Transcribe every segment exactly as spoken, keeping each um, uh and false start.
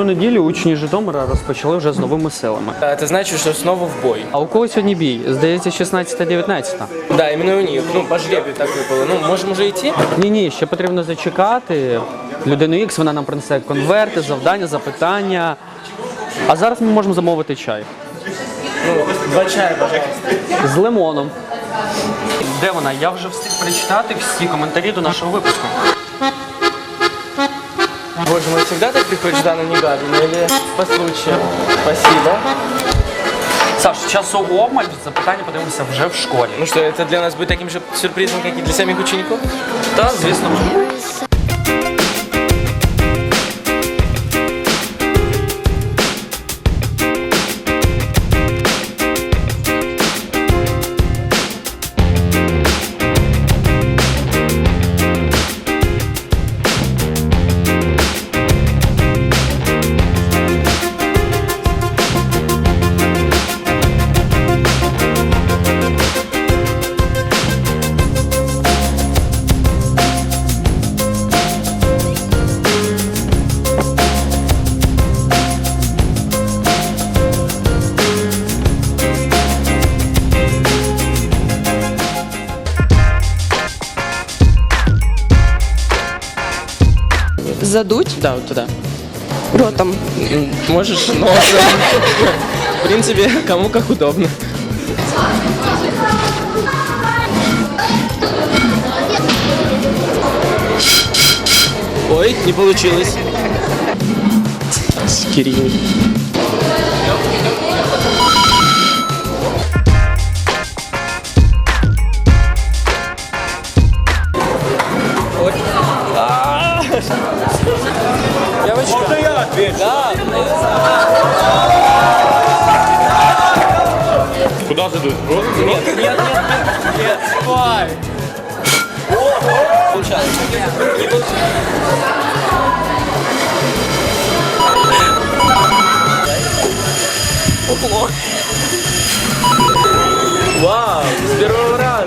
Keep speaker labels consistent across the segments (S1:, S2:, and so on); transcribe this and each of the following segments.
S1: Цю неділю учні Житомира розпочали вже з новими силами.
S2: Это значит, что снова в бой.
S1: А у кого сьогодні бій? Здається, шістнадцята дев'ятнадцята.
S2: Да, именно у них. Ну, по жребию так выпало. Ну, можем уже идти?
S1: Ні-ні, ще потрібно зачекати. Людину Ікс, вона нам принесе конверти, завдання, запитання. А зараз ми можемо замовити чай.
S2: Ну, два чая, пожалуйста.
S1: З лимоном. Де вона? Я вже встиг прочитати всі коментарі до нашого випуску.
S2: Боже мой, всегда так приходишь, Дана Негадина, или по случаю? Спасибо.
S1: Саш, часу обмаль, запитання подивимося вже в школі.
S2: Ну что, это для нас будет таким же сюрпризом, как и для самих учеников?
S1: Та, звісно.
S3: Задуть
S2: Да, вот туда.
S3: ротом.
S2: Можешь носом. В принципе, кому как удобно. Ой, не получилось. Скирин. Девочка. Можно я отвечу? Да.
S4: Куда задуть?
S2: Нет, нет, нет, нет, нет. Давай. Получалось. Не получилось. Ого. Вау, с первого раза.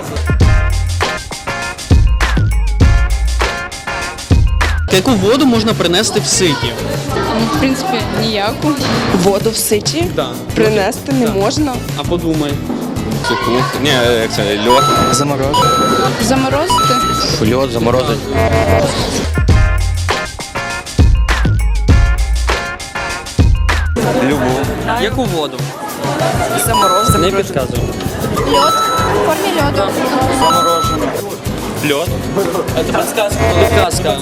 S1: Яку воду можна принести в ситі?
S5: В принципі, ніяку.
S3: Воду в ситі
S1: Да.
S3: принести не можна.
S1: А подумай.
S4: Суху. Ні, як це, льод.
S2: Заморожен.
S5: Заморозити.
S4: Льод заморозить. Любу.
S1: Яку воду?
S3: Заморозити.
S1: Не підказуй.
S5: Льод. В формі льоду.
S1: Заморожено.
S4: Льод.
S2: Это подсказка.
S1: Підказка.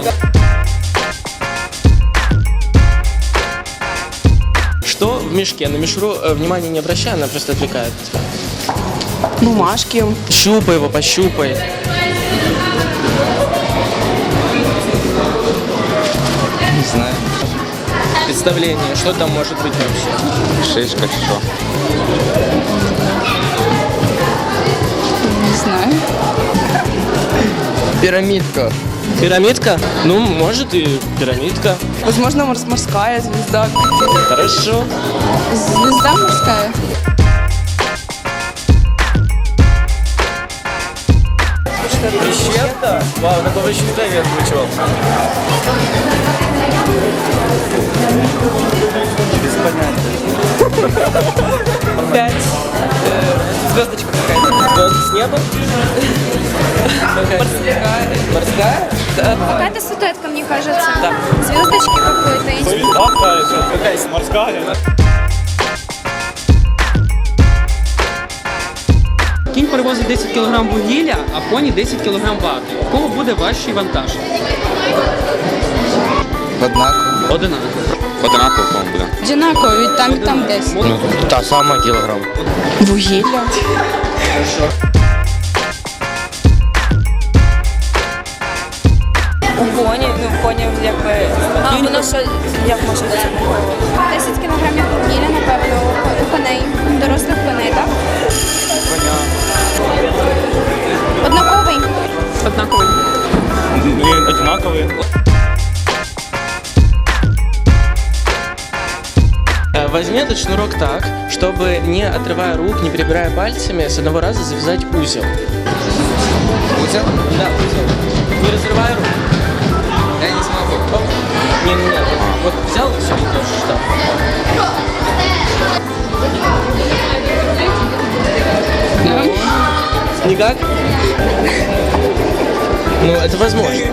S2: Что в мешке? На мишуру э, внимания не обращай, она просто отвлекает тебя.
S3: Бумажки.
S2: Щупай его, пощупай.
S4: Не знаю.
S2: Представление, что там может быть вообще?
S4: Шишка чи що?
S5: Не знаю.
S2: Пирамидка. Пирамидка? Ну, может и пирамидка.
S3: Возможно, морс- морская звезда.
S2: Хорошо.
S5: Звезда морська.
S2: Пещерка? Вау, такого еще никогда не озвучивал. Без понятия. Пять. Звездочка какая-то. Звезд с неба? Морская. Морская?
S5: Какая-то статуэтка, мне кажется. Да. Звездочки какой-то.
S4: Какая морська?
S1: Кінь перевозить десять кілограм вугілля, а коні десять кілограм вати. У кого буде важчий вантаж?
S4: Однаково.
S1: Одинаково.
S4: Однаково, по-моєму, буде.
S5: Одинаково, від там і там десь.
S4: Ну, та сама кілограм.
S3: Вугілля.
S6: У коні, ну коні якби. А воно що як може бути?
S5: десять кілограмів вугілля, напевно, у коней. Дорослих коней, так? Однаковий.
S1: Однаковий.
S4: Блин, одинаковые.
S2: Э, Возьми этот шнурок так, чтобы, не отрывая рук, не перебирая пальцами, с одного раза завязать узел.
S4: Узел?
S2: Да, узел. Не разрывай руку.
S4: Я не смогу.
S2: Не-не-не. Вот взял и все, и тоже штамп. Никак? Ну, это возможно.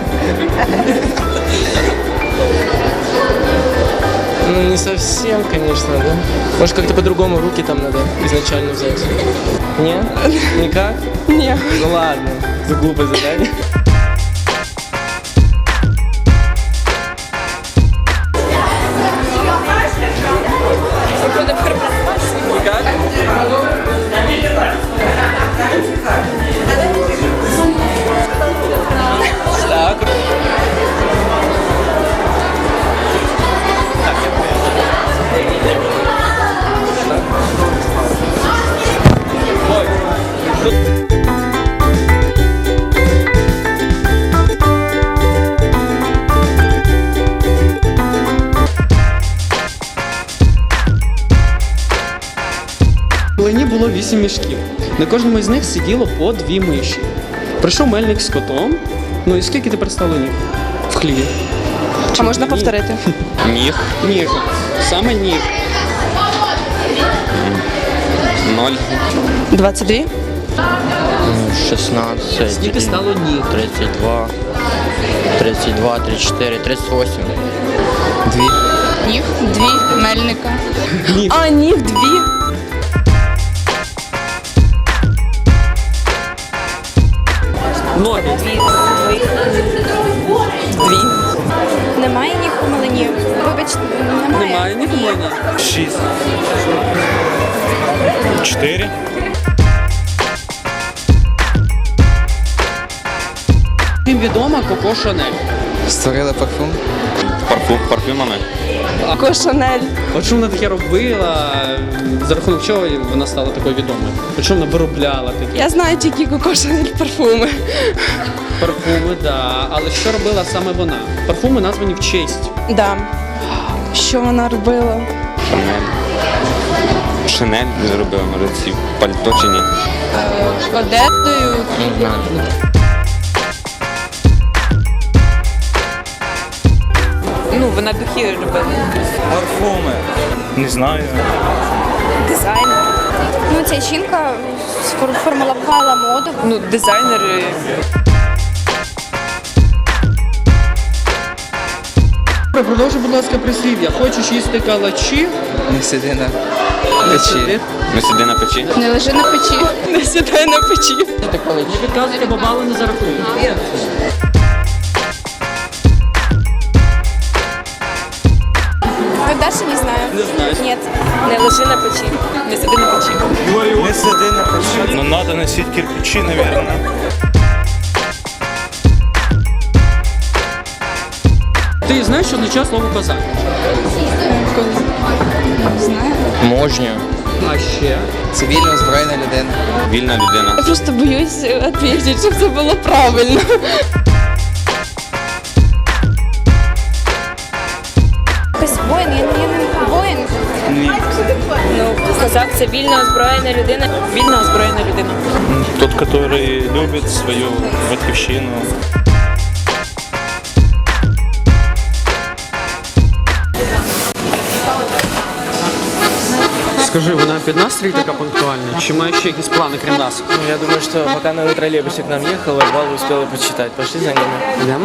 S2: Ну, не совсем, конечно, да? Может, как-то по-другому руки там надо изначально взять. Нет? Никак?
S3: Ні.
S2: Ну ладно, это глупое задание. Никак? Так.
S1: В млині було вісім мішків. На кожному із них сиділо по дві миші. Прийшов мельник з котом. Ну і скільки тепер стало ніг в хліві?
S3: А можна повторити?
S4: Ніг.
S1: Ніг. Саме ніг.
S4: Ноль.
S3: двадцять два.
S4: шістнадцять.
S1: Скільки стало ніг?
S4: тридцять два. тридцять два, тридцять чотири, тридцять вісім. Дві.
S3: Ніг. Дві. Мельника.
S1: Ніг.
S3: А, ніг дві.
S1: Ноги.
S3: Дві.
S5: Немає ніг у млині. Вибачте, немає.
S1: Немає ніг в млині.
S7: Шість. Чотири.
S1: Всім відома Коко Шанель.
S8: Створили парфум.
S4: Парфум, парфюмами.
S3: Коко Шанель.
S1: От що вона таке робила, за рахунок чого вона стала такою відомою? От що вона виробляла такі
S3: Я знаю тільки Коко Шанель парфуми.
S1: парфуми, да. Але що робила саме вона? Парфуми названі в честь.
S3: Да. Що вона робила?
S4: Шанель. Шинель зробила, може, ці пальто чи ні?
S3: Одеждою.
S4: Не знаю.
S6: Ну, вона духи робила.
S7: Парфуми. Не знаю.
S5: Дизайн. Ну, ця жінка сформулювала моду.
S6: Ну, дизайнери.
S1: Продовжуй, будь ласка, прислів'я. Хочеш їсти калачі?
S8: Не сиди на
S1: Сиди.
S8: печі.
S4: Ми сиди на печі.
S3: Не лежи на печі. Не сідай на печі.
S1: Не підказуйте, бо бали не зарахують.
S5: Ви дальше не знаю.
S1: Не знаю.
S5: Нет.
S6: Не лежи на печі. Не сиди на печі.
S7: Не сиди на печі. Ну, надо носить кирпичи, наверное.
S1: Ти знаєш, що означає слово козак?
S4: Можню.
S1: А ще?
S8: Цивільно озброєна людина.
S4: Вільна людина.
S3: Я просто боюсь відповідати, щоб це було правильно.
S5: Якийсь воїн, я, я не воїн.
S6: Ну, козак це вільно озброєна людина. Вільно озброєна людина.
S7: Тот, который любит свою батьківщину.
S1: Скажи, вона під настрій така пунктуальна? Чи має ще якісь плани, крім нас?
S2: Ну, я думаю, что пока на троллейбусе к нам ехала, Вала успела почитать. Пошли за ними.
S1: Йдемо?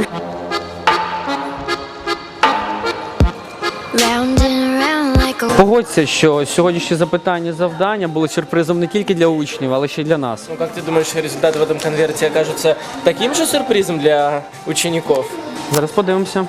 S9: Round and round like a
S1: Погодься, що сьогоднішні запитання, завдання були сюрпризом не тільки для учнів, але ще й для нас.
S2: Ну, как ты думаешь, результаты в этом конверте окажутся таким же сюрпризом для учеников?
S1: Зараз подивимося.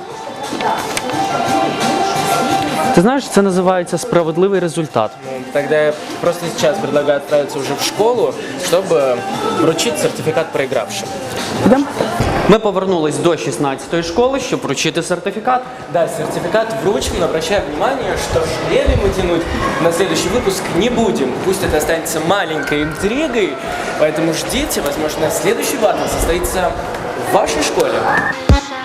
S1: Ти знаєш, це називається справедливий результат.
S2: Ну, тогда я просто сейчас предлагаю отправиться уже в школу, чтобы вручить сертификат проигравшим.
S1: Йдемо? Ми повернулись до шістнадцятої школи, щоб вручити сертифікат.
S2: Да, сертификат вручим, но обращаю внимание, что шпили мы тянуть на следующий выпуск не будем. Пусть это останется маленькой интригой, поэтому ждите, возможно, следующий батл состоится в вашей школе.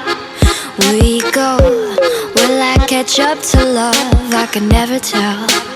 S9: we go. Will I catch up to love? I can never tell.